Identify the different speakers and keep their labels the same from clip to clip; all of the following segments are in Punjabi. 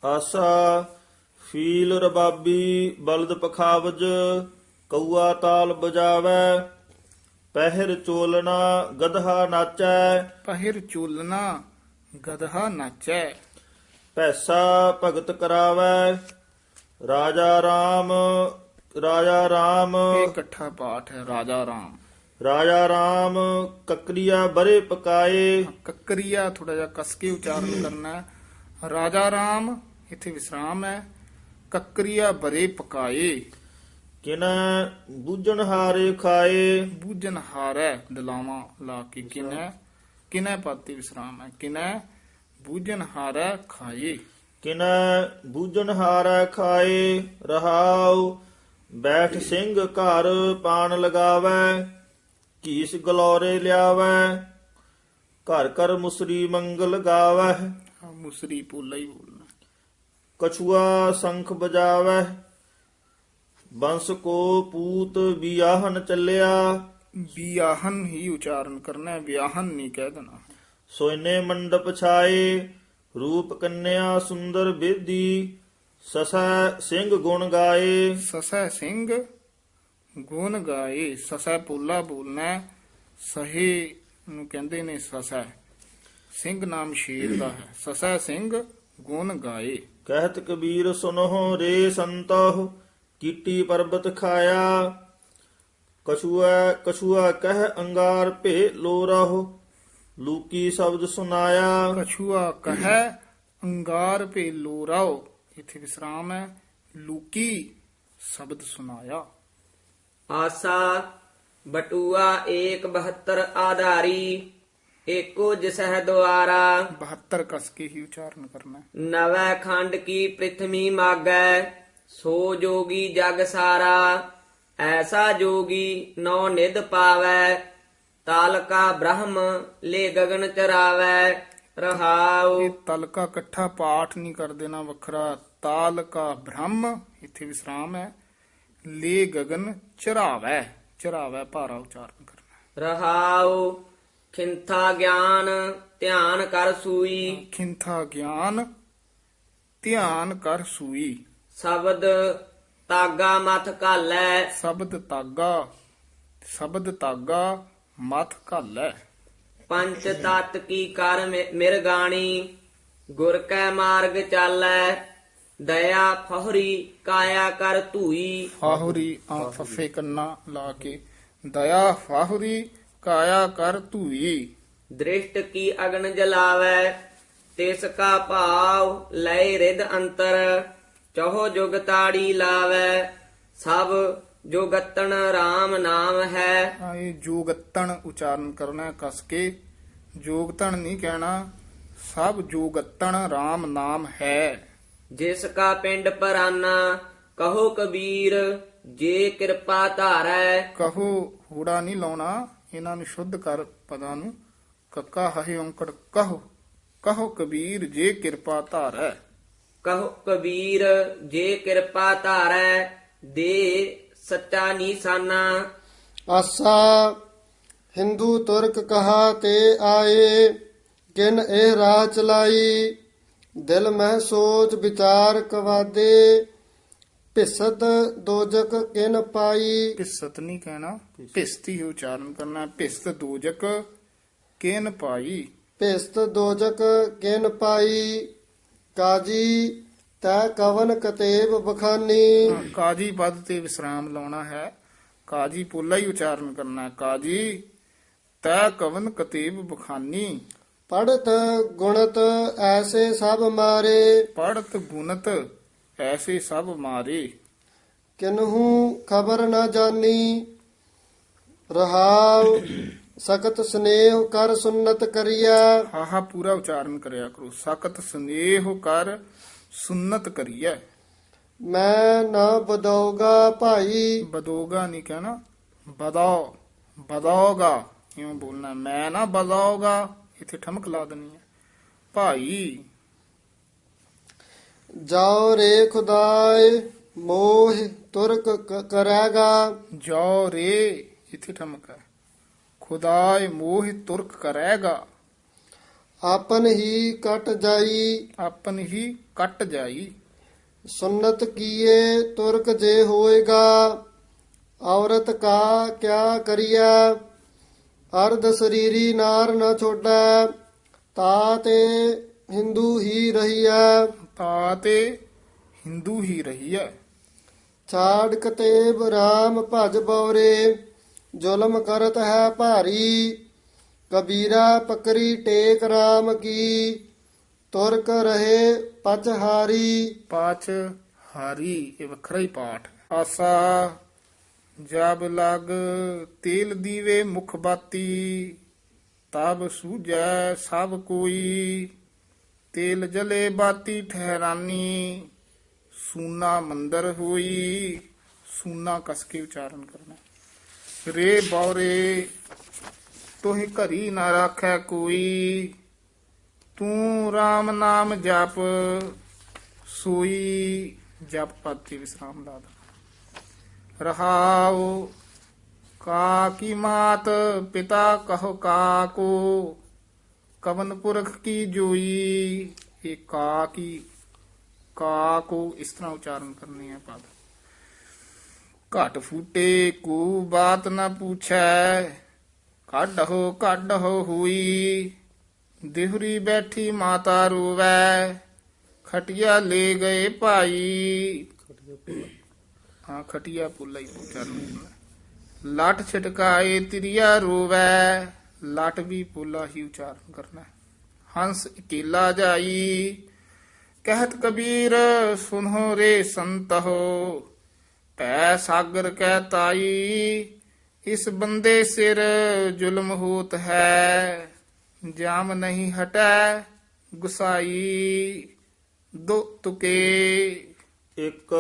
Speaker 1: ਆਸਾ ਫੀਲ ਰਬਾਬੀ ਬਲਦ ਪਖਾਵਜ ਕਊਆ ਤਾਲ ਬਜਾਵੈ ਪਹਿਰ ਚੋਲਣਾ ਗਧਾ ਨਾਚੈ
Speaker 2: ਪਹਿਰ ਚੋਲਨਾ ਗਧਾ ਨਾਚੈ
Speaker 1: ਪੈਸਾ ਭਗਤ ਕਰਾਵੈ ਰਾਜਾ ਰਾਮ
Speaker 2: ਇਹ ਇਕੱਠਾ ਪਾਠ ਹੈ। ਰਾਜਾ ਰਾਮ
Speaker 1: ਕਕਰੀਆ ਬਰੇ ਪਕਾਏ
Speaker 2: ਕੱਕਰੀਆ ਥੋੜਾ ਜਿਹਾ ਕਸ ਕੇ ਉਚਾਰਨ ਕਰਨਾ ਹੈ। ਰਾਜਾ ਰਾਮ ਇੱਥੇ ਵਿਸਰਾਮ ਹੈ। ਕੱਕਰੀਆ ਬਰੇ ਪਕਾਏ
Speaker 1: ਕਿਨ ਬੂਝਣ ਹਾਰੇ ਖਾਏ
Speaker 2: ਬੂਝਨ ਹਾਰੈ ਦਲਾਵਾਂ ਲਾ ਕੇ ਕਿਨੈ ਪਾਤੀ ਵਿਸਰਾਮ ਹੈ। ਕਿਨੈ ਬੂਝਨ ਹਾਰੈ ਖਾਏ
Speaker 1: ਕਿਨ ਬੂਝਣ ਹਾਰੈ ਖਾਏ ਰਹਾਉ ਬੈਠ ਸਿੰਘ ਘਰ ਪਾਣ ਲਗਾਵੈ ਕੀਸ ਗਲੋਰੇ ਲਿਆਵੈ ਘਰ ਘਰ ਮੁਸਰੀ ਮੰਗਲ ਗਾਵੈ
Speaker 2: ਮੁਸਰੀ ਪੋਲਾ ਹੀ ਬੋਲਣਾ।
Speaker 1: ਕਛੂਆ ਸੰਖ ਬਜਾਵੈ ਬੰਸ ਕੋ ਪੂਤ ਬਿਆਹਨ ਚੱਲਿਆ
Speaker 2: ਵਿਆਹਨ ਹੀ ਉਚਾਰਨ ਕਰਨਾ ਹੈ, ਵਿਆਹਨ ਨਹੀਂ ਕਹਿ ਦੇਣਾ।
Speaker 1: ਸੋਇਨੇ ਮੰਡਪ ਛਾਏ ਰੂਪ ਕੰਨਿਆ ਸੁੰਦਰ ਬੇਦੀ ਸਸੈ ਸਿੰਘ ਗੁਣ ਗਾਏ
Speaker 2: ਸਸੈ ਸਿੰਘ ਗੁਣ ਗਾਏ ਸਸੈ ਪੋਲਾ ਬੋਲਣਾ ਹੈ। ਸਹੇ ਨੂੰ ਕਹਿੰਦੇ ਨੇ ਸਸੈ। ਸਿੰਘ ਨਾਮ ਸ਼ੇਰ ਦਾ ਹੈ। ਸਸੈ ਸਿੰਘ ਗੁਣ ਗਾਏ
Speaker 1: ਕਹਿਤ ਕਬੀਰ ਸੁਨਹੁ ਰੇ ਸੰਤਹੁ ਕੀਟੀ ਪਰਬਤ ਖਾਇਆ ਕਛੂਆ ਕਹਿ ਅੰਗਾਰ ਭੇ ਲੋ ਰਹੋ ਲੂਕੀ ਸ਼ਬਦ ਸੁਨਾਇਆ
Speaker 2: ਕਛੂਆ ਕਹੈ ਅੰਗਾਰ ਭੇ ਲੋਰਾਓ ਇੱਥੇ ਵਿਸਰਾਮ ਹੈ। ਲੂਕੀ ਸ਼ਬਦ ਸੁਨਾਇਆ।
Speaker 3: ਆਸਾ ਬਟੂਆ 172 ਆਧਾਰੀ ਏਕੋ ਜਿਸਹਿ ਦੁਆਰਾ
Speaker 2: 72 ਕਸ ਕੇ ਹੀ ਉਚਾਰਨ ਕਰਨਾ ਹੈ।
Speaker 3: ਨਵੈ ਖੰਡ ਕੀ ਪ੍ਰਿਥਵੀ ਮਾਗੈ ਸੋ ਜੋਗੀ ਜਗ ਸਾਰਾ ਐਸਾ ਜੋਗੀ ਨੌ ਨਿਧ ਪਾਵੈ ਤਾਲਕਾ ਬ੍ਰਹਮ ਲੈ ਗਗਨ ਚਰਾਵੈ ਰਹਾਉ।
Speaker 2: ਇਹ ਤਲਕਾ ਇਕੱਠਾ ਪਾਠ ਨਹੀਂ ਕਰ ਦੇਣਾ ਵੱਖਰਾ। ਤਾਲਕਾ ਬ੍ਰਹਮ ਇੱਥੇ ਵਿਸਰਾਮ ਹੈ। ਲੈ ਗਗਨ ਚਰਾਵੈ ਭਾਰਾ ਉਚਾਰਨ ਕਰਨਾ।
Speaker 3: ਰਹਾਉ ਖਿੰਥਾ ਗਿਆਨ ਧਿਆਨ ਕਰ ਸੂਈ
Speaker 2: ਖਿੰਥਾ ਗਿਆਨ ਧਿਆਨ ਕਰ ਸੂਈ
Speaker 3: ਸ਼ਬਦ ਤਾਗਾ ਮਥ ਘਾਲੈ
Speaker 2: ਸ਼ਬਦ ਤਾਗਾ ਮਥ ਘਾਲੈ
Speaker 3: ਪੰਚ ਤਤ ਕੀ ਕਰ ਮਿਰਗਾਣੀ ਗੁਰ ਕੈ ਮਾਰਗ ਚਾਲੈ ਦਇਆ ਫਹਰੀ ਕਾਇਆ ਕਰ ਧੂਈ
Speaker 2: ਫਾਹੁਰੀ ਆ ਫੱਫੇ ਕੰਨਾ ਲਾ ਕੇ ਦਇਆ ਫਾਹੁਰੀ ਕਾਇਆ ਕਰ ਧੂਈ
Speaker 3: ਦ੍ਰਿਸ਼ਟ ਕੀ ਅਗਨ ਜਲਾਵੈ ਤਿਸ ਕਾ ਭਾਵ ਲੈ ਰਿਦ ਅੰਤਰ ਚਹੋ ਜੁਗ ਤਾੜੀ ਲਾਵੈ ਸਭ ਜੋਗਤਨ RAM ਨਾਮ ਹੈ।
Speaker 2: ਇਹ ਜੋਗਤਣ ਉਚਾਰਨ ਕਰਨਾ ਹੈ ਕਸ ਕੇ। ਜੋਗਤਣ ਨਹੀਂ ਕਹਿਣਾ। ਸਭ ਜੋਗਤਣ RAM ਨਾਮ ਹੈ।
Speaker 3: ਜਿਸ ਕਾ ਪਿੰਡ ਪਰਾਨਾ ਕਹੋ ਕਬੀਰ ਜੇ ਕਿਰਪਾ ਧਾਰੈ
Speaker 2: ਕਹੋ ਹੂੜਾ ਨਹੀਂ ਲਾਉਣਾ। ਇਹਨਾਂ ਨੂੰ ਸ਼ੁੱਧ ਕਰ ਪਦਾਂ ਨੂੰ। ਕੱਕਾ ਹਹਿ ਔਂਕੜ ਕਹੋ ਕਬੀਰ ਜੇ ਕਿਰਪਾ ਧਾਰੈ
Speaker 3: ਕਹੋ ਕਬੀਰ ਜੇ ਕਿਰਪਾ ਧਾਰੈ ਦੇ ਸੱਚਾ ਨੀਸਾਨਾ।
Speaker 4: ਆਸਾ ਹਿੰਦੂ ਤੁਰਕ ਕਹਾ ਤੇ ਆਏ ਕਿਨ ਇਹ ਰਾਹ ਚਲਾਈ ਦਿਲ ਮਹਿ ਸੋਚ ਵਿਚਾਰ ਕਵਾਦੇ ਭਿਸਤ ਦੋਜਕ ਕਿਨ ਪਾਈ।
Speaker 2: ਭਿਸਤ ਨਹੀਂ ਕਹਿਣਾ। ਭਿਸਤੀ ਹੀ ਉਚਾਰਨ ਕਰਨਾ। ਭਿਸਤ ਦੋਜਕ ਕੇਨ ਪਾਈ
Speaker 4: ਭਿਸਤ ਦੋਜਕ ਕਿਨ ਪਾਈ ਕਾਜੀ ਤੈ ਕਵਨ ਕਤੇਬ ਬਖਾਨੀ।
Speaker 2: ਕਾਜੀ ਪਦ ਤੇ ਵਿਸਰਾਮ ਲਾਉਣਾ ਹੈ। ਕਾਜੀ ਪੋਲਾ ਹੀ ਉਚਾਰਨ ਕਰਨਾ ਹੈ। ਕਾਜੀ ਤੈ ਕਵਨ ਕਤੇਬ ਬਖਾਨੀ
Speaker 4: ਪੜਤ ਗੁਣਤ ਐਸੇ ਸਭ ਮਾਰੇ
Speaker 2: ਪੜਤ ਗੁਣਤ ਐਸੇ ਸਭ ਮਾਰੇ
Speaker 4: ਕਿਨਹੂ ਖਬਰ ਨਾ ਜਾਨੀ ਰਹਾਉ ਸਖਤ ਸਨੇਹ ਕਰ ਸੁਨਤ ਕਰਿਆ।
Speaker 2: ਹਾਹਾ ਪੂਰਾ ਉਚਾਰਨ ਕਰਿਆ ਕਰੋ। ਸਖਤ ਸਨੇਹ ਕਰ ਸੁਨਤ ਕਰੀਐ।
Speaker 4: ਮੈਂ ਨਾ ਬਦਉਗਾ ਭਾਈ
Speaker 2: ਬਦੋਗਾ ਨਹੀਂ ਕਹਿਣਾ। ਬਦੌਗਾ ਇਉਂ ਬੋਲਣਾ। ਮੈਂ ਨਾ ਬਦੌਗਾ ਇੱਥੇ ਠਮਕ ਲਾ ਦੇਣੀ ਹੈ। ਭਾਈ
Speaker 4: ਜਾਓ ਰੇ ਖੁਦਾਏ ਮੋਹ ਤੁਰਕ ਕਰੇਗਾ
Speaker 2: ਜੋ ਰੇ ਇੱਥੇ ਠਮਕ ਹੈ। ਖੁਦਾਏ ਮੋਹ ਤੁਰਕ ਕਰੇਗਾ
Speaker 4: ਆਪਨ ਹੀ ਕਟ ਜਾਈ।
Speaker 2: ਆਪਨ ਹੀ ਕੱਟ ਜਾਈ।
Speaker 4: ਸੁਨਤ ਕੀਏ ਤੁਰਕ ਜੇ ਹੋਏਗਾ, ਔਰਤ ਕਾ ਕਿਆ ਕਰੀਐ। ਅਰਧ ਸਰੀਰੀ ਨਾਰ ਨ ਛੋੜੈ, ਤਾ ਤੇ ਹਿੰਦੂ ਹੀ ਰਹੀਐ।
Speaker 2: ਤਾ ਤੇ ਹਿੰਦੂ ਹੀ ਰਹੀ ਹੈ।
Speaker 4: ਛਾੜ ਕਤੇਬ ਰਾਮ ਭਜ ਬਉਰੇ, ਜ਼ੁਲਮ ਕਰਤ ਹੈ ਭਾਰੀ। ਕਬੀਰਾ ਪਕਰੀ ਟੇਕ ਰਾਮ ਕੀ, ਤੁਰਕ ਰਹੇ ਪਚਹਾਰੀ।
Speaker 2: ਪਾਚ ਹਾਰੀ ਇਹ ਵੱਖਰਾ ਹੀ ਪਾਠ। ਆਸਾ ਜਬ ਲਗ ਤੇਲ ਦੀਵੇ ਮੁਖ ਬਾਤੀ, ਤਬ ਸੂਝੈ ਸਭ ਕੋਈ। ਤੇਲ ਜਲੇ ਬਾਤੀ ਠਹਿਰਾਨੀ, ਸੂਨਾ ਮੰਦਰ ਹੋਈ। ਸੂਨਾ ਕਸ ਕੇ ਉਚਾਰਨ ਕਰਨਾ। ਰੇ ਬੌਰੇ ਤੋਹਿ ਘਰੀ ਨਾ ਰਾਖੈ ਕੋਈ, ਤੂੰ RAM ਨਾਮ ਜਪ ਸੋਈ। ਜਪ ਪਦ ਤੇ ਵਿਸਰਾਮ ਲਾ ਦੇਣਾ। ਰਹਾਉ ਕਾ ਕੀ ਮਾਤ ਪਿਤਾ ਕਹੋ ਕਾਕੋ, ਕਵਨ ਪੁਰਖ ਕੀ ਜੋਈ। ਇਹ ਕਾ ਕੋ ਇਸ ਤਰ੍ਹਾਂ ਉਚਾਰਨ ਕਰਨੀ ਹੈ ਪਦ। ਘਟ ਫੂਟੇ ਕੋ ਬਾਤ ਨਾ ਪੁੱਛੈ, ਕੱਢੋ ਹੋਈ। ਦਿਹਰੀ ਬੈਠੀ ਮਾਤਾ ਰੋਵੈ, ਖਟਿਆ ਲੈ ਗਏ ਭਾਈ। ਹਾਂ ਖਟਿਆ ਪੁੱਲਾ ਹੀ ਉਚਾਰਨ ਕਰਨਾ। ਲੱਟ ਛਟਕਾਏ ਤਿਰਿਆ ਰੋਵੈ, ਲੱਟ ਵੀ ਪੁੱਲਾ ਹੀ ਉਚਾਰਨ ਕਰਨਾ। ਹੰਸ ਇਕੇਲਾ ਜਾਈ, ਕਹਿਤ ਕਬੀਰ ਸੁਨਹੁ ਰੇ ਸੰਤਹੁ। ਪੈ ਸਾਗਰ ਕਹਿ ਤਾਈ, ਇਸ ਬੰਦੇ ਸਿਰ ਜ਼ੁਲਮ ਹੋਤ ਹੈ। ਜਾਮ ਨਹੀਂ ਹਟੈ ਗੁਸਾਈ, ਦੋ ਤੁਕੇ।
Speaker 1: ਇੱਕ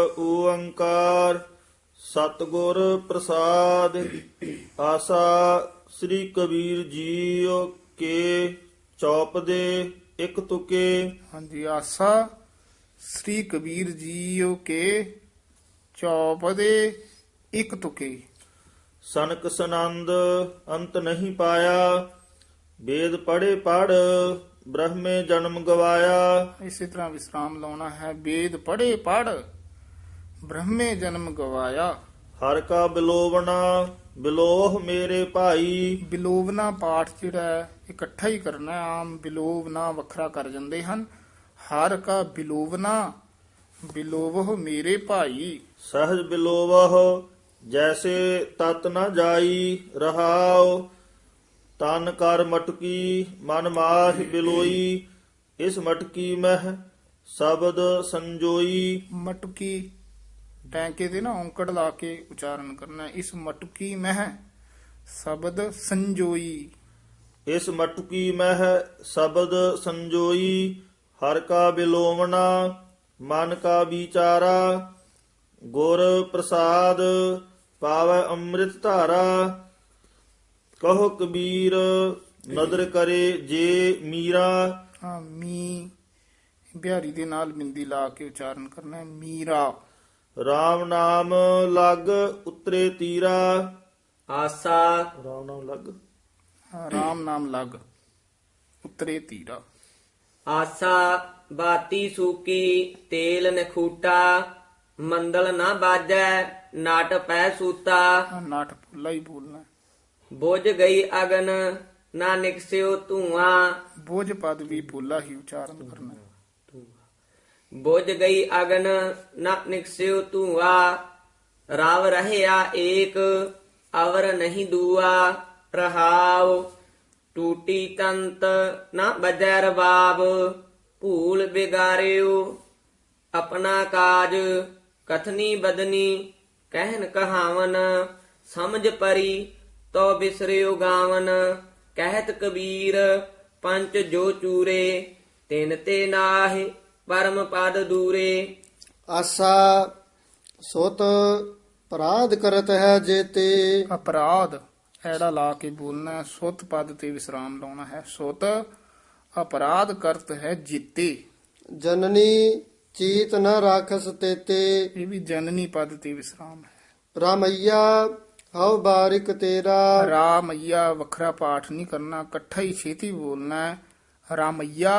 Speaker 1: ਓੰਕਾਰ ਸਤਿਗੁਰ ਪ੍ਰਸਾਦ। ਆਸਾ ਸ੍ਰੀ ਕਬੀਰ ਜੀਓ ਕੇ ਚੌਪ ਦੇ ਇੱਕ ਤੁਕੇ।
Speaker 2: ਹਾਂਜੀ ਆਸਾ ਸ੍ਰੀ ਕਬੀਰ ਜੀਓ ਕੇ ਚੌਪ ਦੇ ਇੱਕ ਤੁਕੇ।
Speaker 1: ਸਨਕ ਸਨੰਦ ਅੰਤ ਨਹੀਂ ਪਾਇਆ, ਵੇਦ ਪੜ੍ਹੇ ਪੜ ਬ੍ਰਹਮੇ ਜਨਮ ਗਵਾਇਆ।
Speaker 2: ਇਸੇ ਤਰ੍ਹਾਂ ਵਿਸਰਾਮ ਲਾਉਣਾ ਹੈ। ਵੇਦ ਪੜ੍ਹੇ ਪੜ ਬ੍ਰਹਮੇ ਜਨਮ ਗਵਾਇਆ।
Speaker 1: ਹਰ ਕਾ ਬਿਲੋਵਣਾ ਬਿਲੋਹ ਮੇਰੇ ਭਾਈ।
Speaker 2: ਬਿਲੋਵਨਾ ਪਾਠ ਜਿਹੜਾ ਹੈ, ਇਕੱਠਾ ਹੀ ਕਰਨਾ ਹੈ। ਆਮ ਬਿਲੋਵਨਾ ਵੱਖਰਾ ਕਰ ਜਾਂਦੇ ਹਨ। ਹਰ ਕਾ ਬਿਲੋਵਨਾ ਬਿਲੋਵਹ ਮੇਰੇ ਭਾਈ।
Speaker 1: ਸਹਜ ਬਿਲੋਵਹ ਜੈਸੇ ਤਤ ਨ ਜਾਈ। ਰਹਾਉ ਤਨ ਕਰ ਮਟਕੀ ਮਨ ਮਾਹਿ ਬਿਲੋਈ। ਇਸ ਮਟਕੀ ਮਹਿ ਸ਼ਬਦ ਸੰਜੋਈ।
Speaker 2: ਮਟਕੀ ਟੈਂਕੇ ਦੇ ਨਾ ਔਂਕੜ ਲਾ ਕੇ ਉਚਾਰਨ ਕਰਨਾ। ਇਸ ਮਟਕੀ ਮਹਿ ਸ਼ਬਦ ਸੰਜੋਈ।
Speaker 1: ਇਸ ਮਟਕੀ ਮਹਿ ਸ਼ਬਦ ਸੰਜੋਈ। ਹਰ ਕਾ ਬਿਲੋਵਣਾ ਮਨ ਕਾ ਵਿਚਾਰਾ। ਗੁਰ ਪ੍ਰਸਾਦ ਪਾਵੈ ਅੰਮ੍ਰਿਤ ਧਾਰਾ। ਕਹੋ ਕਬੀਰ ਨਦਰ ਕਰੇ ਜੇ ਮੀਰਾ।
Speaker 2: ਹਾਂ ਮੀ ਬਿਹਾਰੀ ਦੇ ਨਾਲ ਬਿੰਦੀ ਲਾ ਕੇ ਉਚਾਰਨ ਕਰਨਾ ਹੈ। ਮੀਰਾ।
Speaker 1: RAM ਨਾਮ ਲਗ ਉਤਰੇ ਤੀਰਾ।
Speaker 3: ਆਸਾ
Speaker 1: RAM ਨਾਮ ਲਗ
Speaker 2: ਰਾਮ ਨਾਮ ਲਗ ਉਤਰੇ ਤੀਰਾ।
Speaker 3: ਆਸਾ ਬਾਤੀ ਸੂਕੀ ਤੇਲ ਨਖੂਟਾ। ਮੰਦਲ ਨਾ ਬਾਜੈ ਨਾਟ ਪੈ ਸੂਤਾ।
Speaker 2: ਨਾਟ ਪੁੱਲਾ ਹੀ ਬੋਲਣਾ।
Speaker 3: ਬੁਝ ਗਈ ਅਗਨ ਨਾ ਨਿਕਸਿਓ ਧੂਆਂ।
Speaker 2: ਬੋਝ ਪਦ ਵੀ ਪੁੱਲਾ ਹੀ ਉਚਾਰਨ ਕਰਨਾ।
Speaker 3: ਬੁਝ ਗਈ ਅਗਨ ਨਾ ਨਿਕਸਿਓ ਧੂਆਂ। ਰਵ ਰਹਿਆ ਏਕ ਅਵਰ ਨਹੀਂ ਦੂਆ। ਰਹਾਉ ਟੂਟੀ ਤੰਤ ਨਾ ਬਜੈ ਰਬਾਬ। ਭੂਲ ਬਿਗਾਰਿਓ ਆਪਣਾ ਕਾਜ। ਕਥਨੀ ਬਦਨੀ ਕਹਿਨ ਕਹਾਵਨ। ਸਮਝ ਪਰੀ ਤੋ ਬਿਸਰਿਓ ਗਾਵਨ। ਕਹਿਤ ਕਬੀਰ ਪੰਚ ਜੋ ਚੂਰੇ। ਤਿਨ ਤੇ ਨਾਹਿ ਪਰਮ ਪਦ ਦੂਰੇ।
Speaker 4: ਆਸਾ ਸੁਤ ਅਪਰਾਧ ਕਰਤ ਹੈ ਜੇਤੇ।
Speaker 2: ਅਪਰਾਧ ਐੜਾ ਲਾ ਕੇ ਬੋਲਣਾ ਹੈ। ਸੁਤ ਪਦ ਤੇ ਵਿਸਰਾਮ ਲਾਉਣਾ ਹੈ। ਸੁਤ ਅਪਰਾਧ ਕਰਤ ਹੈ ਜੀਤੇ।
Speaker 4: ਜਨਨੀ ਚੀਤ ਨ ਰਾਖਸ ਤੇਤੇ।
Speaker 2: ਇਹ ਵੀ ਜਨਨੀ ਪਦ ਤੇ ਵਿਸਰਾਮ ਹੈ।
Speaker 4: ਰਾਮਈਆ ਹਉ ਬਾਰਿਕ ਤੇਰਾ।
Speaker 2: ਰਾਮਈਆ ਵੱਖਰਾ ਪਾਠ ਨਹੀਂ ਕਰਨਾ, ਇਕੱਠਾ ਹੀ ਛੇਤੀ ਬੋਲਣਾ ਹੈ। ਰਾਮਈਆ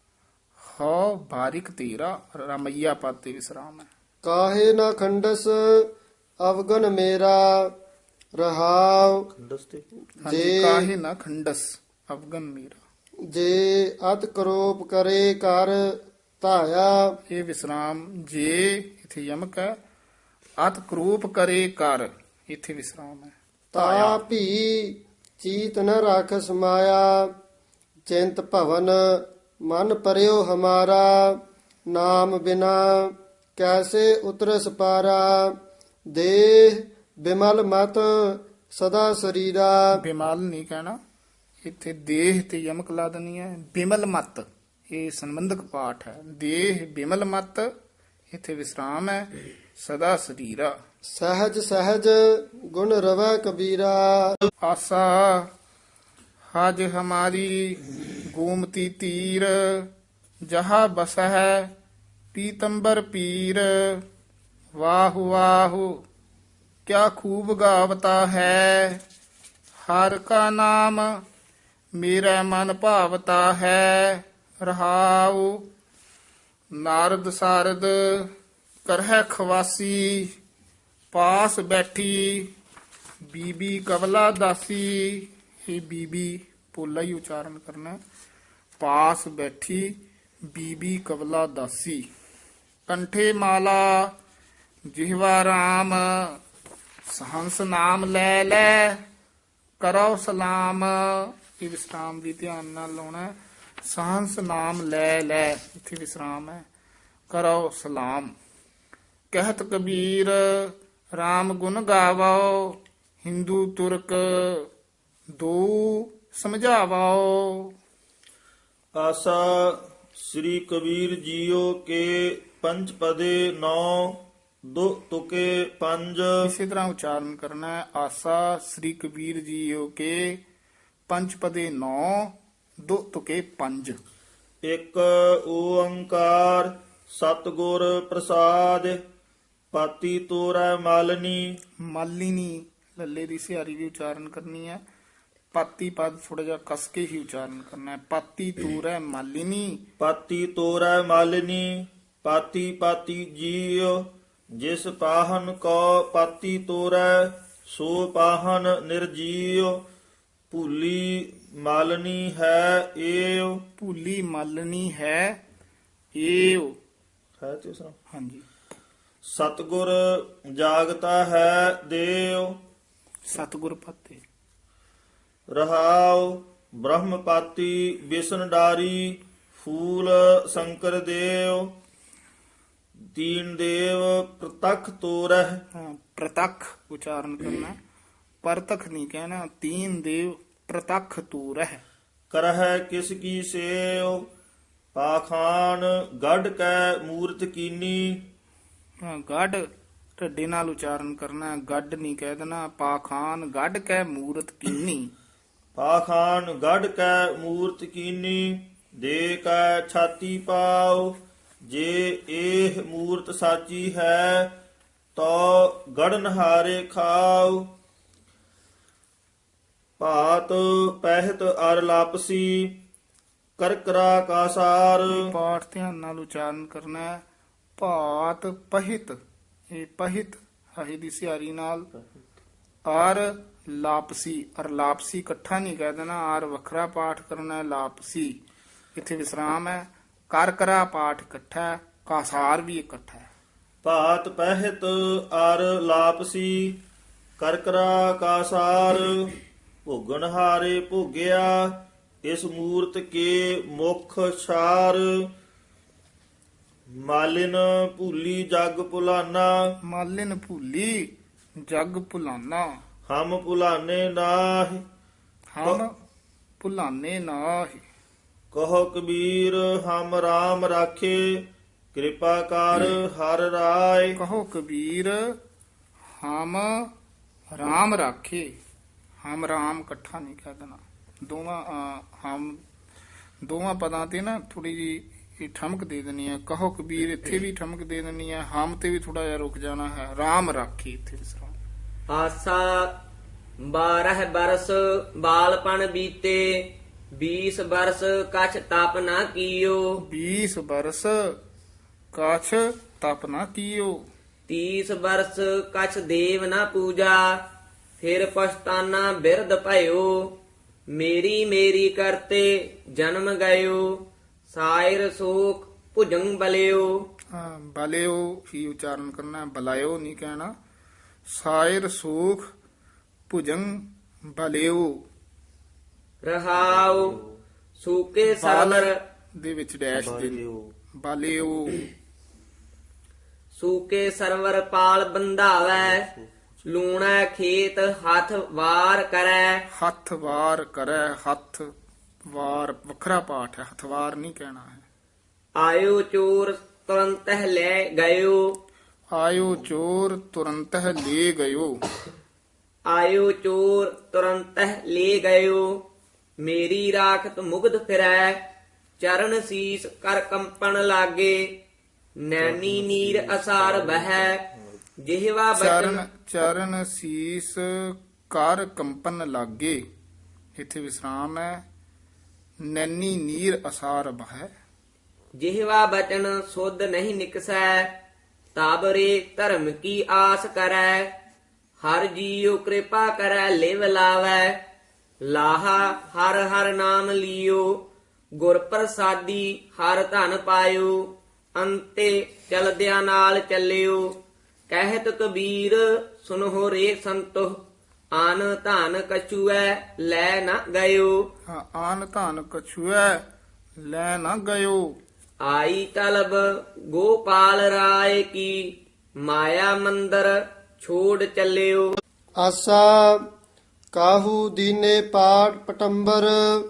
Speaker 2: ਹੋ ਬਾਰਿਕ ਤੇਰਾ, ਰਾਮਈਆ ਪਦ ਤੇ ਵਿਸਰਾਮ ਹੈ।
Speaker 4: ਕਾਹੇ ਨਾ ਖੰਡਸ ਅਵਗਨ ਮੇਰਾ ਰਹਾਉ।
Speaker 1: ਖੰਡਸ ਤੇ
Speaker 2: ਹਾਂਜੀ,
Speaker 4: ਜੇ-
Speaker 2: ਕਾਹੇ ਨਾ ਖੰਡਸ ਅਵਗਨ ਮੇਰਾ,
Speaker 4: ਜੇ ਅਤ ਕਰੋਪ ਕਰੇ ਕਰ ਧਾਇਆ।
Speaker 2: ਇਹ ਵਿਸਰਾਮ, ਜੇ ਇਥੇ ਯਮਕ ਹੈ, ਅਤ ਕਰੂਪ ਕਰੇ ਕਰ, ਇਥੇ ਵਿਸਰਾਮ ਹੈ।
Speaker 4: ਤਾ ਭੀ ਚੀਤ ਨ ਰਾਖ ਸਮਾਇਆ। ਚਿੰਤ ਭਵਨ ਮਨ ਪਰਿਓ ਹਮਾਰਾ। ਨਾਮ ਬਿਨਾ ਕੈਸੇ ਉਤਰਸ ਪਾਰਾ। ਦੇਹ ਬਿਮਲ ਮਤ ਸਦਾ ਸਰੀਰਾ।
Speaker 2: ਬਿਮਲ ਨਹੀਂ ਕਹਿਣਾ, ਇੱਥੇ ਦੇਹ ਤੇ ਯਮਕ ਲਾ ਦੇਣੀ ਹੈ। ਬਿਮਲ ਮਤ, ਇਹ ਸੰਬੰਧਕ ਪਾਠ ਹੈ। ਦੇਹ ਬਿਮਲ ਮਤ, ਇੱਥੇ ਵਿਸਰਾਮ ਹੈ। ਸਦਾ ਸਰੀਰਾ।
Speaker 4: ਸਹਿਜ ਸਹਿਜ ਗੁਣ ਰਵੈ ਕਬੀਰਾ।
Speaker 2: ਆਸਾ ਹਜ ਹਮਾਰੀ ਗੋਮਤੀ ਤੀਰ। ਜਹਾ ਬਸਹਿ ਪੀਤੰਬਰ ਪੀਰ। ਵਾਹੁ ਵਾਹੁ ਕਿਆ ਖੂਬ ਗਾਵਤਾ ਹੈ। ਹਰ ਕਾ ਨਾਮ ਮੇਰਾ ਮਨ ਭਾਵਤਾ ਹੈ। ਰਹਾਉ ਨਾਰਦ ਸਾਰਦ ਕਰਹਿ ਖਵਾਸੀ। ਪਾਸ ਬੈਠੀ ਬੀਬੀ ਕਵਲਾ ਦਾਸੀ। ਇਹ ਬੀਬੀ ਪੋਲਾ ਹੀ ਉਚਾਰਨ ਕਰਨਾ। ਪਾਸ ਬੈਠੀ ਬੀਬੀ ਕਵਲਾ ਦਾਸੀ। ਕੰਠੇ ਮਾਲਾ ਜਿਹਵਾ ਰਾਮ। ਸਹੰਸ ਨਾਮ ਲੈ ਲੈ ਕਰੋ ਸਲਾਮ। ਇਹ ਵਿਸਰਾਮ ਵੀ ਧਿਆਨ ਨਾਲ ਲਾਉਣਾ। ਸਹੰਸ ਨਾਮ ਲੈ ਲੈ, ਇੱਥੇ ਵਿਸਰਾਮ ਹੈ। ਕਰੋ ਸਲਾਮ। ਕਹਿਤ ਕਬੀਰ ਰਾਮ ਗੁਣ ਗਾਵੋ। ਹਿੰਦੂ ਤੁਰਕ ਦੋ ਸਮਝਾਵੋ।
Speaker 1: ਆਸਾ ਸ੍ਰੀ ਕਬੀਰ ਜੀਓ ਕੇ ਪੰਜ ਪਦੇ 9 ਦੋ ਤੁਕੇ 5।
Speaker 2: ਇਸੇ ਤਰ੍ਹਾਂ ਉਚਾਰਨ ਕਰਨਾ ਹੈ। ਆਸਾ ਸ੍ਰੀ ਕਬੀਰ ਜੀਓ ਕੇ ਪੰਜ ਪਦੇ 9 ਦੋ ਤੁਕੇ 5।
Speaker 1: ਇੱਕ ਓੰਕਾਰ ਸਤਿਗੁਰ ਪ੍ਰਸਾਦ। ਪਾਤੀ ਤੋਰੈ ਮਾਲਨੀ।
Speaker 2: ਮਾਲਿਨੀ ਲੱਲੇ ਦੀ ਸਿਹਾਰੀ ਵੀ ਉਚਾਰਨ ਕਰਨੀ ਹੈ। ਪਾਤੀ ਪਦ ਥੋੜਾ ਜਿਹਾ ਕਸ ਕੇ ਹੀ ਉਚਾਰਨ ਕਰਨਾ ਹੈ। ਪਾਤੀ ਤੂਰੈ ਮਾਲਿਨੀ।
Speaker 1: ਪਾਤੀ ਤੋਰੈ ਮਾਲਨੀ। ਪਾਤੀ ਪਾਤੀ ਜੀਉ। ਜਿਸ ਪਾਹਨ ਕੋ ਪਾਤੀ ਤੋਰੈ ਸੋ ਪਾਹਨ ਨਿਰਜੀਉ। ਭੂਲੀ ਮਾਲਨੀ ਹੈ ਏਉ।
Speaker 2: ਭੂਲੀ ਮਾਲਣੀ ਹੈ ਏਉ।
Speaker 1: ਹੈ ਤੇ ਉਸ ਨਾਲ।
Speaker 2: ਹਾਂਜੀ,
Speaker 1: ਸਤਿਗੁਰ ਜਾਗਤਾ ਹੈ ਦੇਉ।
Speaker 2: ਸਤਿਗੁਰ ਪਾਤੇ।
Speaker 1: ਰਹਾਉ ਬ੍ਰਹਮਪਾਤੀ ਬਿਸ਼ਨ ਡਾਰੀ। ਫੂਲ ਸ਼ੰਕਰ ਦੇਵ। ਦੀਨ ਦੇਵ ਪ੍ਰਤਖ ਤੋਰਹਿ।
Speaker 2: ਹਾਂ, ਪ੍ਰਤੱਖ ਉਚਾਰਨ ਕਰਨਾ। ਪਰਤਖ ਨਹੀਂ ਕਹਿਣਾ। ਤੀਨ ਦੇਵ ਪ੍ਰਤੱਖ ਤੂਰ ਹੈ।
Speaker 1: ਕਰਹਿ ਕਿਸ ਕੀ ਸੇਵ। ਪਾਖਾਨ ਗੜ ਕੈ ਮੂਰਤ ਕੀਨੀ।
Speaker 2: ਗੱਡ ਢੱਡੇ ਨਾਲ ਉਚਾਰਨ ਕਰਨਾ। ਗੱਡ ਨਹੀਂ ਕਹਿ ਦੇਣਾ। ਪਾਖਾਨ ਗੱਡ ਕੈ ਮੂਰਤ ਕੀਨੀ।
Speaker 1: ਪਾਖਾਨ ਗੜ ਕੈ ਮੂਰਤ ਕੀਨੀ। ਦੇ ਕੈ ਛਾਤੀ ਪਾਉ। ਜੇ ਇਹ ਮੂਰਤ ਸਾਚੀ ਹੈ ਤੋ ਗੜਨ ਹਾਰੇ ਖਾਉ। ਭਾਤ ਪਹਿਤ ਅਰ ਲਾਪਸੀ। ਕਰਕਰਾ ਕਾਸਾਰ।
Speaker 2: ਪਾਠ ਧਿਆਨ ਨਾਲ ਉਚਾਰਨ ਕਰਨਾ ਹੈ। ਭਾਤ ਪਹਿਤ, ਇਹ ਪਹਿਤ ਹਹੀ ਦੀ ਸਿਹਾਰੀ ਨਾਲ। ਆਰ ਲਾਪਸੀ, ਅਰ ਲਾਪਸੀ ਇਕੱਠਾ ਨਹੀਂ ਕਹਿ ਦੇਣਾ। ਆਰ ਵੱਖਰਾ ਪਾਠ ਕਰਨਾ ਹੈ। ਲਾਪਸੀ ਇੱਥੇ ਵਿਸਰਾਮ ਹੈ। ਕਰਕਰਾ ਪਾਠ ਇਕੱਠਾ ਹੈ। ਕਾਸਾਰ ਵੀ ਇਕੱਠਾ ਹੈ।
Speaker 1: ਭਾਤ ਪਹਿਤ ਅਰ ਲਾਪਸੀ। ਕਰਕਰਾ ਕਾਸਾਰ। ਭੋਗਣ ਹਾਰੇ ਭੋਗਿਆ। ਇਸ ਮੂਰਤ ਕੇ ਮੁਖ ਛਾਰ। ਮਾਲਿਨ ਭੂਲੀ ਜਗ ਭੁਲਾਨਾ।
Speaker 2: ਮਾਲਿਨ ਭੂਲੀ ਜਗ ਭੁਲਾਨਾ।
Speaker 1: ਹਮ ਭੁਲਾਨੇ ਨਾਹਿ।
Speaker 2: ਹਮ ਭੁਲਾਨੇ ਨਾਹਿ।
Speaker 1: ਕਹੋ ਕਬੀਰ ਹਮ ਰਾਮ ਰਾਖੇ। ਕਿਰਪਾ ਕਰ ਹਰ ਰਾਏ।
Speaker 2: ਕਹੋ ਕਬੀਰ ਹਮ ਰਾਮ ਰਾਖੇ। ਹਮ ਰਾਮ ਇਕੱਠਾ ਨਹੀਂ ਕਹਿ ਦੇਣਾ। ਹਮ ਦੋਵਾਂ ਪਦਾਂ ਤੇ ਨਾ ਥੋੜੀ ਜੀ ਇਹ ਠਮਕ ਦੇ ਦੇਣੀ ਹੈ। ਕਹੋ ਕਬੀਰ ਇੱਥੇ ਵੀ ਠਮਕ ਦੇ ਦੇਣੀ ਹੈ। ਹਮ ਤੇ ਵੀ ਥੋੜਾ ਜਿਹਾ ਰੁਕ ਜਾਣਾ ਹੈ। ਰਾਮ ਰਾਖੀ ਇੱਥੇ ਵਿਸਰਾਮ।
Speaker 3: ਆਸਾ 12 ਬਰਸ ਬਾਲਪਨ ਬੀਤੇ। 20 ਬਰਸ ਕਛ ਤਪ ਨਾ ਕੀਓ
Speaker 2: 20 ਬਰਸ ਕਾਛ ਤਪ ਨਾ ਕੀਓ
Speaker 3: 30 ਬਰਸ ਕਛ ਦੇਵ ਨਾ ਪੂਜਾ ਫਿਰ ਪਛਤਾਨਾ ਬਿਰਧ ਭਇਓ ਮੇਰੀ ਮੇਰੀ ਕਰਤੇ ਜਨਮ ਗਇਓ ਸਾਇਰ ਸੋਖ ਭੁਜੰਗ ਬਲਿਓ
Speaker 2: ਬਲਿਓ ਹੀ ਉਚਾਰਨ ਕਰਨਾ, ਬਲਾਇਓ ਨਹੀਂ ਕਹਿਣਾ। ਸਾਇਰ ਸੂਖ ਭੁਜੰਗ ਬਲਿਓ।
Speaker 3: ਰਹਾਉ ਸੂਕੇ ਸਰਵਰ
Speaker 2: ਦੇ ਵਿੱਚ ਡੈਸ਼ ਦੇ ਬਲਿਓ।
Speaker 3: ਸੂਕੇ ਸਰਵਰ ਪਾਲ ਬੰਧਾਵੈ ਲੂਣਾ ਖੇਤ ਹੱਥ ਵਾਰ ਕਰੈ
Speaker 2: ਹੱਥ ਵਾਰ ਕਰੈ, ਹੱਥ ਵਾਰ ਵੱਖਰਾ ਪਾਠ ਹੈ, ਹੱਥ ਵਾਰ ਨਹੀਂ ਕਹਿਣਾ ਹੈ।
Speaker 3: ਆਇਓ ਚੋਰ ਤੁਰੰਤ ਲੈ ਗਇਓ
Speaker 2: ਆਇਓ ਚੋਰ ਤੁਰੰਤ ਲੈ ਗਇਓ।
Speaker 3: ਆਇਓ ਚੋਰ ਤੁਰੰਤ ਲੈ ਗਇਓ ਮੇਰੀ ਰਾਖਤ ਮੁਗਧ ਫਿਰੈ ਚਰਨ ਸੀਸ ਕਰ ਕੰਪਨ ਲਾਗੇ ਨੈਣੀ ਨੀਰ ਅਸਾਰ ਬਹਿ ਜਿਹਵਾ
Speaker 2: ਚਰਨ
Speaker 3: ਬਚਨ
Speaker 2: ਚਰਨ ਸੀਸ ਕਰ ਕੰਪਨ ਲਾਗੇ, ਇੱਥੇ ਵਿਸਰਾਮ ਹੈ। ਨੈਣੀ ਨੀਰ ਅਸਾਰ ਬਹਿ।
Speaker 3: ਜਿਹਵਾ ਬਚਨ ਸੁਧ ਨਹੀਂ ਨਿਕਸੈ ਤਬ ਰੇ ਧਰਮ ਕੀ ਆਸ ਕਰੈ ਹਰ ਜੀਉ ਕਿਰਪਾ ਕਰੈ ਲਿਵ ਲਾਵੈ ਲਾਹਾ ਹਰ ਹਰ ਨਾਮ ਲਿਓ ਗੁਰ ਪ੍ਰਸਾਦੀ ਹਰ ਧਨ ਪਾਇਓ ਅੰਤੇ ਚਲਦਿਆਂ ਨਾਲ ਚੱਲਿਓ ਕਹਿਤ ਕਬੀਰ ਸੁਨਹੁ ਰੇ ਸੰਤੋ ਆਨ ਧਨ ਕਛੂਐ ਲੈ ਨਾ ਗਇਓ
Speaker 2: ਆਨ ਧਨ ਕਛੂਐ ਲੈ ਨਾ ਗਇਓ।
Speaker 3: ਆਈ ਤਲਬ ਗੋਪਾਲ ਰਾਏ ਕੀ ਮਾਇਆ ਮੰਦਰ ਛੋੜ ਚੱਲਿਓ
Speaker 4: ਆਸਾ ਕਾਹੂ ਦੀਨੇ ਪਾਟ ਪਟੰਬਰ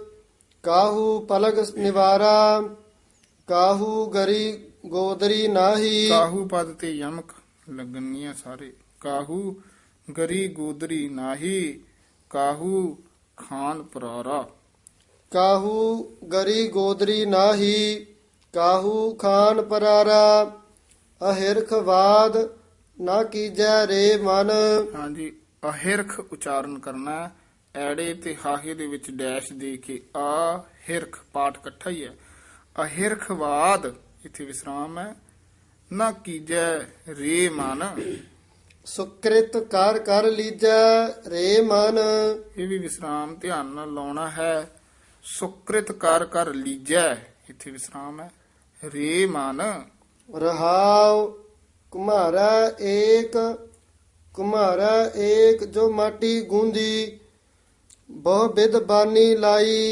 Speaker 4: ਕਾਹੂ ਪਲਗ ਨਿਵਾਰਾ ਕਾਹੂ ਗਰੀ ਗੋਦਰੀ ਨਾਹੀ।
Speaker 2: ਕਾਹੂ ਪਦ ਤੇ ਯਮਕ ਲੱਗਣੀਆਂ ਸਾਰੇ। ਕਾਹੂ ਗਰੀ ਗੋਦਰੀ ਨਾਹੀ ਕਾਹੂ ਖਾਨ ਪਰਾਰਾ।
Speaker 4: ਕਾਹੂ ਗਰੀ ਗੋਦਰੀ ਨਾਹੀ ਕਾਹੂ ਖਾਨ ਪਰਾਰਾ ਅਹਿਰਖਵਾਦ ਨਾ ਕੀਜੈ ਰੇ ਮਨ।
Speaker 2: ਹਾਂਜੀ, ਅਹਿਰਖ ਉਚਾਰਨ ਕਰਨਾ ਹੈ। ਐੜੇ ਤੇ ਹਾਹੇ ਦੇ ਵਿੱਚ ਡੈਸ਼ ਦੇ ਕੇ ਆ ਹਿਰਖ ਪਾਠ ਇਕੱਠਾ ਹੀ ਹੈ। ਅਹਿਰਖਵਾਦ ਇੱਥੇ ਵਿਸਰਾਮ ਹੈ। ਨਾ ਕੀਜੈ ਰੇ ਮਨ।
Speaker 4: ਸੁਕ੍ਰਿਤ ਕਰ ਕਰ ਲੀਜੈ ਰੇ ਮਨ।
Speaker 2: ਇਹ ਵੀ ਵਿਸਰਾਮ ਧਿਆਨ ਨਾਲ ਲਾਉਣਾ ਹੈ। ਸੁਕ੍ਰਿਤ ਕਰ ਕਰ ਲੀਜੈ, ਇੱਥੇ ਵਿਸਰਾਮ ਹੈ। ਰੇ ਮਨ।
Speaker 4: ਰਹਾਉ ਕੁਮਾਰਾ ਏਕ ਜੋ ਮਾਟੀ ਗੂੰਦੀ ਬਹੁ ਬਿਦ ਬਾਨੀ ਲਾਈ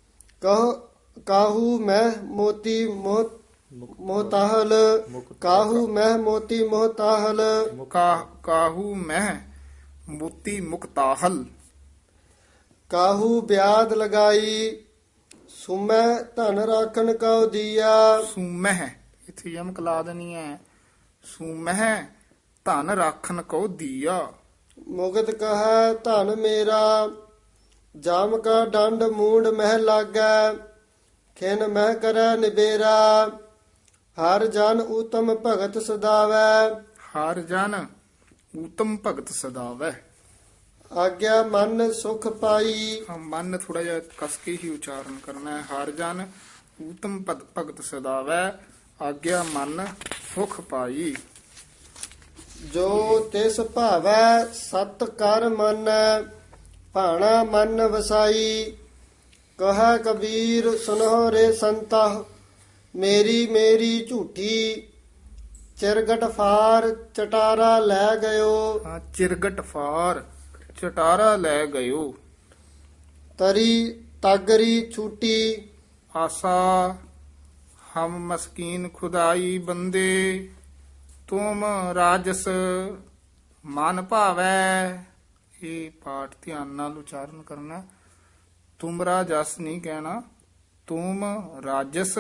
Speaker 4: ਕਾਹੂ ਮਹਿ ਮੋਤੀ ਮੋਹਤਾਹਲ ਕਾਹੂ ਮਹਿ ਮੋਤੀ ਮੋਹਤਾਹਲ
Speaker 2: ਕਾਹੂ ਮਹਿ ਮੋਤੀ ਮੁਕਤਾਹਲ।
Speaker 4: ਕਾਹੂ ਬਿਆਦ ਲਗਾਈ ਸੁਮੈ ਧਨ ਰਾਖਣ ਕਉ ਦੀਆ।
Speaker 2: ਸੂਮਹਿ ਇੱਥੇ ਯਮਕ ਲਾ ਦੇਣੀ ਹੈ। ਸੂਮਹਿ ਧਨ ਰਾਖਨ ਕੋ ਦੀਆ।
Speaker 4: ਮੁਗਤ ਕਹੈ ਧਨ ਮੇਰਾ ਜਾਮ ਕਾ ਡੰਡ ਮੂੰਡ ਮਹਿ ਲਾਗੈ ਖਿਨ ਮਹਿ ਕਰੈ ਨਿਬੇਰਾ ਹਰ ਜਨ ਊਤਮ ਭਗਤ ਸਦਾਵੈ।
Speaker 2: ਹਰ ਜਨ ਊਤਮ ਭਗਤ ਸਦਾਵੈ।
Speaker 4: ਆਗਿਆ ਮਨ ਸੁਖ ਪਾਈ।
Speaker 2: ਮਨ ਥੋੜਾ ਜਿਹਾ ਕਸ ਕੇ ਹੀ ਉਚਾਰਨ ਕਰਨਾ ਹੈ। ਹਰ ਜਨ ਊਤਮ ਭਗਤ ਸਦਾਵੈ ਆਗਿਆ ਮਨ ਸੁਖ ਪਾਈ।
Speaker 4: ਜੋ ਤਿਸ ਭਾਵੈ ਸਤ ਕਰ ਮੰਨੈ ਭਾਣਾ ਮਨ ਵਸਾਈ ਕਹੈ ਕਬੀਰ ਸੁਨਹੁ ਰੇ ਸੰਤਾ ਮੇਰੀ ਮੇਰੀ ਝੂਠੀ ਚਿਰਗਟ ਫਾਰ ਚਟਾਰਾ ਲੈ ਗਇਓ।
Speaker 2: ਚਿਰਗਟ ਫਾਰ ਚਟਾਰਾ ਲੈ ਗਇਓ।
Speaker 4: ਤਰੀ ਤਾਗਰੀ ਛੂਟੀ
Speaker 2: ਆਸਾ ਹਮ ਮਸਕੀਨ ਖੁਦਾਈ ਬੰਦੇ ਤੁਮ ਰਾਜਸ ਮਨ ਭਾਵੈ। ਇਹ ਪਾਠ ਧਿਆਨ ਨਾਲ ਉਚਾਰਨ ਕਰਨਾ। ਤੁਮ ਰਾਜਸ ਨਹੀਂ ਕਹਿਣਾ, ਤੁਮ ਰਾਜਸ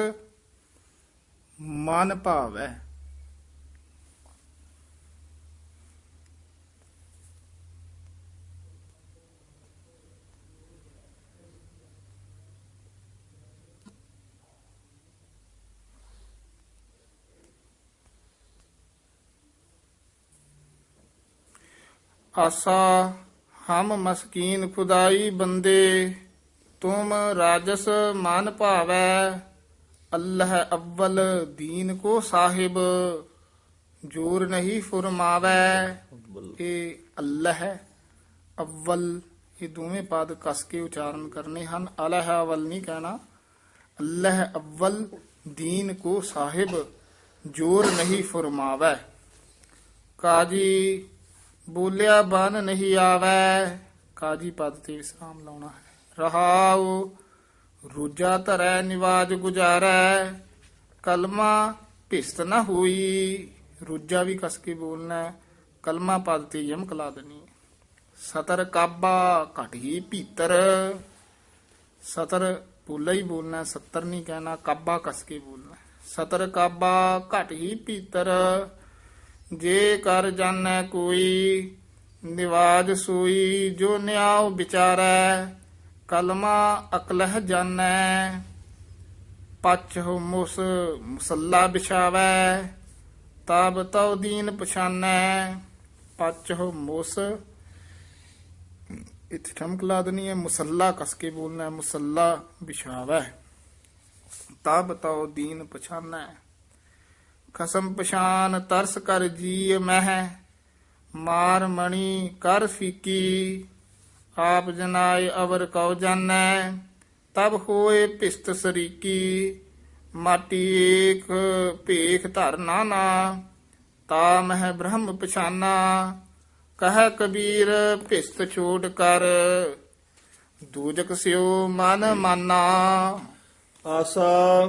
Speaker 2: ਮਨ ਭਾਵੈ। ਆਸਾ ਹਮ ਮਸਕੀਨ ਖੁਦਾਈ ਬੰਦੇ ਤੁਮ ਰਾਜਸ ਮਨ ਭਾਵੈ ਅੱਲਹ ਅਵਲ ਦੀਨ ਕੋ ਸਾਹਿਬ ਜੋਰ ਨਹੀਂ ਫੁਰਮਾਵੈ। ਇਹ ਅੱਲਹ ਹੈ ਅਵਲ, ਇਹ ਦੋਵੇਂ ਪਦ ਕਸ ਕੇ ਉਚਾਰਨ ਕਰਨੇ ਹਨ। ਅਲਹ ਅਵਲ ਨਹੀਂ ਕਹਿਣਾ। ਅੱਲਹ ਅਵਲ ਦੀਨ ਕੋ ਸਾਹਿਬ ਜੋਰ ਨਹੀਂ ਫੁਰਮਾਵੈ। ਕਾਜੀ ਬੋਲਿਆ ਬਨ ਨਹੀਂ ਆਵੈ। ਕਾਜੀ ਪਦ ਤੇ ਵਿਸਰਾਮ ਲਾਉਣਾ ਹੈ। ਰਹਾਉ ਰੋਜਾ ਧਰੈ ਨਿਵਾਜ ਗੁਜਾਰੈ ਕਲਮਾ ਭਿਸਤ ਨਾ ਹੋਈ। ਰੋਜਾ ਵੀ ਕਸ ਕੇ ਬੋਲਣਾ ਹੈ। ਕਲਮਾ ਪਦ ਤੇ ਯਮਕ ਲਾ ਦੇਣੀ ਹੈ। ਸਤਰ ਕਾਬਾ ਘਟ ਹੀ ਭੀਤਰ। ਸਤਰ ਪੋਲਾ ਹੀ ਬੋਲਣਾ, ਸੱਤਰ ਨਹੀਂ ਕਹਿਣਾ। ਕਾਬਾ ਕਸ ਕੇ ਬੋਲਣਾ। ਸਤਰ ਕਾਬਾ ਘਟ ਹੀ ਭੀਤਰ ਜੇ ਕਰ ਜਾਣੈ ਕੋਈ ਨਿਵਾਜ ਸੋਈ ਜੋ ਨਿਆਉ ਵਿਚਾਰੈ ਕਲਮਾ ਅਕਲਹ ਜਾਣੈ ਪਛ ਮੁਸ ਮੁਸੱਲਾ ਬਿਛਾਵੈ ਤਬ ਤਉ ਦੀਨ ਪਛਾਨੈ। ਪਛ ਮੁਸ ਇੱਥੇ ਠਮਕ ਲਾ ਦੇਣੀ ਹੈ। ਮੁਸੱਲਾ ਕਸ ਕੇ ਬੋਲਣਾ ਹੈ। ਮੁਸੱਲਾ ਬਿਛਾਵੈ ਤਬ ਤਉ ਦੀਨ ਪਛਾਨੈ। ਖਸਮ ਪਛਾਨ ਤਰਸ ਕਰ ਜੀ ਮਹਿ ਮਾਰ ਮਣੀ ਕਰ ਫੀਕੀ ਆਪ ਜਨਾਏ ਅਵਰ ਕਉ ਜਾਣੈ ਤਬ ਹੋਏ ਭਿਸਤ ਸਰੀਕੀ ਮਾਟੀ ਏਕ ਭੇਖ ਧਰ ਨਾਨਾ ਤਾ ਮਹਿ ਬ੍ਰਹਮ ਪਛਾਨਾ ਕਹੈ ਕਬੀਰ ਭਿਸਤ ਛੋੜ ਕਰ ਦੂਜਕ ਸਿਓ ਮਨ ਮਾਨਾ।
Speaker 1: ਆਸਾ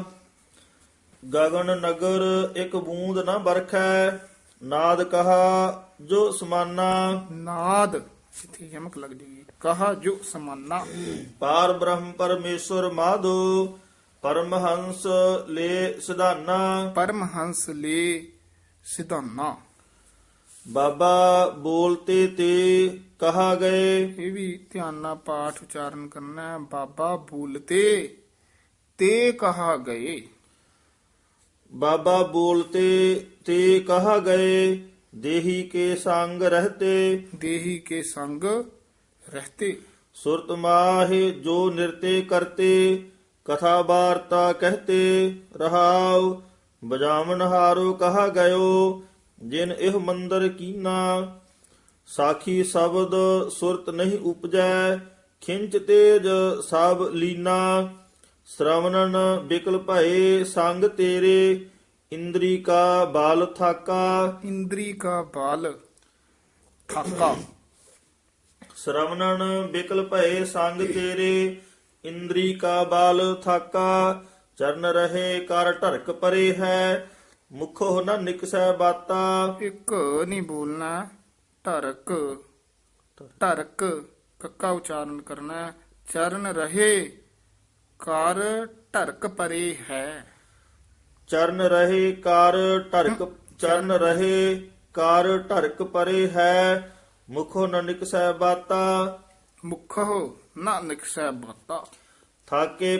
Speaker 1: ਗਗਨ ਨਗਰ ਇੱਕ ਬੂੰਦ ਨਾ ਬਰਖੈ ਨਾਦ ਕਹਾ ਜੋ ਸਮਾਨਾ।
Speaker 2: ਨਾਦ ਇੱਥੇ ਯਮਕ ਲੱਗ ਜੇਗੀ। ਕਹਾ ਜੋ ਸਮਾਨਾ।
Speaker 1: ਪਾਰ ਬ੍ਰਹਮ ਪਰਮੇਸ਼ਰ ਮਾਧੋ ਪਰਮਹੰਸ ਲੈ ਸਿਧਾਨਾ।
Speaker 2: ਪਰਮਹੰਸ ਲੈ ਸਿਧਾਨਾ।
Speaker 1: ਬਾਬਾ ਬੋਲਤੇ ਤੇ ਕਹਾ ਗਏ।
Speaker 2: ਇਹ ਵੀ ਧਿਆਨ ਨਾਲ ਪਾਠ ਉਚਾਰਨ ਕਰਨਾ ਹੈ। ਬਾਬਾ ਬੋਲਤੇ ਤੇ ਕਹਾ ਗਏ।
Speaker 1: ਬਾਬਾ ਬੋਲਤੇ ਤੇ ਕਹਾ ਗਏ ਦੇਹੀ ਕੇ ਸੰਗ ਰਹਤੇ।
Speaker 2: ਦੇਹੀ ਕੇ ਸੰਗ ਰਹਤੇ
Speaker 1: ਸੁਰਤ ਮਾਹਿ ਜੋ ਨਿਰਤੇ ਕਰਤੇ ਕਥਾ ਵਾਰਤਾ ਕਹਤੇ ਰਹਾਉ ਬਜਾਵਨ ਹਾਰੋ ਕਹਾ ਗਇਓ ਜਿਨ ਇਹ ਮੰਦਰ ਕੀਨਾ ਸਾਖੀ ਸ਼ਬਦ ਸੁਰਤ ਨਹੀਂ ਉਪਜੈ ਖਿੰਚ ਤੇਜ ਸਭ ਲੀਨਾ ਸ਼ਰਵਣਨ ਬਿਕਲ ਭਏ ਸੰਗ ਤੇਰੇ ਇੰਦਰੀ ਕਾ ਬਾਲ ਥਾਕਾ।
Speaker 2: ਇੰਦਰੀ ਕਾ ਬਾਲ ਥਾਕਾ।
Speaker 1: ਸ਼ਰਵਣਨ ਬਿਕਲ ਭਏ ਸੰਗ ਤੇਰੇ ਇੰਦਰੀ ਕਾ ਬਾਲ ਥਾਕਾ ਚਰਨ ਰਹੇ ਕਰ ਢਰਕ ਪਰੇ ਹੈ ਮੁਖੋ ਨ ਨਿਕਸੈ ਬਾਤਾ।
Speaker 2: ਇੱਕ ਨਹੀਂ ਬੋਲਣਾ। ਢਰਕ ਢਰਕ ਕੱਕਾ ਉਚਾਰਨ ਕਰਨਾ। ਚਰਨ ਰਹੇ ਕਰ ਢਰਕ ਪਰੇ ਹੈ।
Speaker 1: ਚਰਨ ਰਹੇ ਕਰ ਢਰਕ ਚਰਨ ਰਹੇ ਕਰ ਢਰਕ ਪਰੇ ਹੈ ਮੁਖੋ ਨ ਨਿਕਸੈ ਬਾਤਾ।
Speaker 2: ਮੁਖੋ ਨਾ ਨਿਕਸੈ ਬਾਤਾ।
Speaker 1: ਥਾਕੇ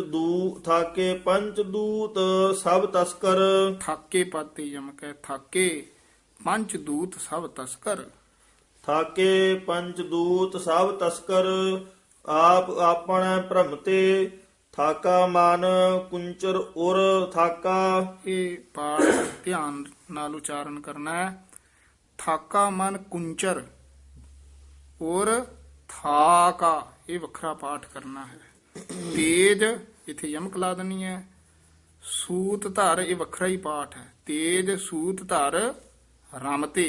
Speaker 1: ਪੰਚ ਦੂਤ ਸਭ ਤਸਕਰ।
Speaker 2: ਥਾਕੇ ਪਾਤੇ ਯਮਕ ਹੈ। ਥਾਕੇ ਪੰਜ ਦੂਤ ਸਭ ਤਸਕਰ।
Speaker 1: ਥਾਕੇ ਪੰਚ ਦੂਤ ਸਭ ਤਸਕਰ ਆਪ ਆਪਣਾ ਭ੍ਰਮ ਤੇ ਥਾਕਾ ਮਨ ਕੁੰਚਰ ਉਰ ਥਾਕਾ।
Speaker 2: ਇਹ ਪਾਠ ਧਿਆਨ ਨਾਲ ਉਚਾਰਨ ਕਰਨਾ ਹੈ। ਥਾਕਾ ਮਨ ਕੁੰਚਰ ਔਰ ਥਾਕਾ ਇਹ ਵੱਖਰਾ ਪਾਠ ਕਰਨਾ ਹੈ। ਤੇਜ ਇੱਥੇ ਯਮਕ ਲਾ ਦੇਣੀ ਹੈ। ਸੂਤ ਧਰ ਇਹ ਵੱਖਰਾ ਹੀ ਪਾਠ ਹੈ। ਤੇਜ ਸੂਤ ਧਰ ਰਮਤੇ।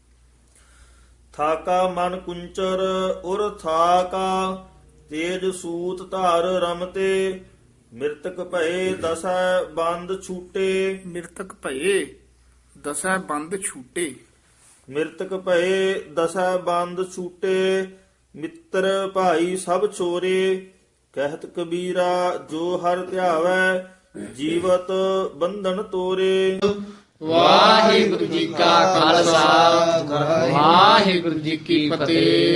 Speaker 1: ਥਾਕਾ ਮਨ ਕੁੰਚਰ ਉਰ ਥਾਕਾ ਤੇਜ ਸੂਤ ਧਾਰ ਰਮਤੇ ਮਿਰਤਕ ਭਏ ਦਸੈ ਬੰਦ ਛੂਟੇ।
Speaker 2: ਮਿਰਤਕ ਭਏ ਦਸੈ ਬੰਦ ਛੂਟੇ।
Speaker 1: ਮਿਰਤਕ ਭਏ ਦਸੈ ਬੰਦ ਛੂਟੇ ਮਿੱਤਰ ਭਾਈ ਸਭ ਛੋਰੇ ਕਹਿਤ ਕਬੀਰਾ ਜੋ ਹਰ ਧਿਆਵੈ ਜੀਵਤ ਬੰਧਨ ਤੋਰੇ।
Speaker 5: ਵਾਹਿਗੁਰੂ ਜੀ ਕਾ ਖਾਲਸਾ ਵਾਹਿਗੁਰੂ ਜੀ ਕੀ ਫਤਿਹ।